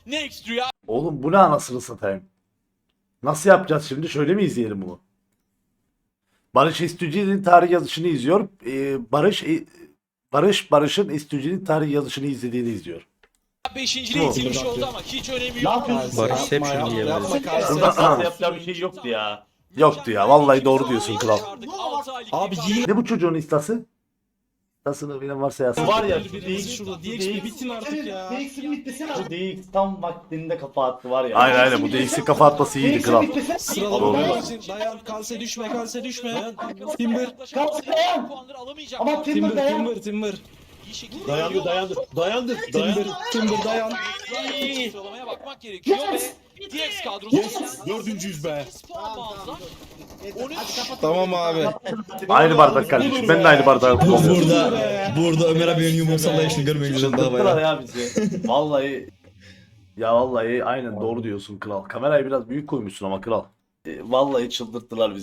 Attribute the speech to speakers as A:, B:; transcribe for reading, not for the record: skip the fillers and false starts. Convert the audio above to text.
A: Next Rüya.
B: Oğlum bu ne anasını satayım? Nasıl yapacağız şimdi? Şöyle mi izleyelim bunu? Barış İstücü'nün tarih yazışını izliyor. Barış'ın İstücü'nün tarih yazışını izlediğini izliyor.
A: Beşinciliğe itilmiş oldu ama hiç önemi yok.
C: Barış hep şunu diyemez.
B: Burada
D: Yapacağı bir şey yoktu ya.
B: yoktu ya. Vallahi doğru diyorsun kral.
C: Abi yine
B: Ne bu çocuğun istası? İstasını bilen varsa yazsın.
D: Var ya
C: şurada DX bitin artık ya.
D: Bu DX tam vaktinde kafa attı var ya.
B: Aynen bu DX'in kafa atması iyiydi kral.
C: Sıralama dayan kalse düşme. Timber.
D: Ama Timber dayan.
C: Timber.
D: Dayandı.
C: Timber dayan.
A: Sıralamaya bakmak gerekiyor ve DX kadrosu
E: Dördüncüyüz be.
C: Tamam abi.
B: Aynı bardak kardeşim. Ben de aynı bardağı kullanıyorum.
F: Burada Ömer abinin yumruk sallayışını görmek üzere daha
D: Çıldırttılar
F: bayağı.
D: ya bizi. Vallahi
B: Ya vallahi aynen doğru diyorsun kral. Kamerayı biraz büyük koymuşsun ama kral.
D: vallahi çıldırttılar bizi.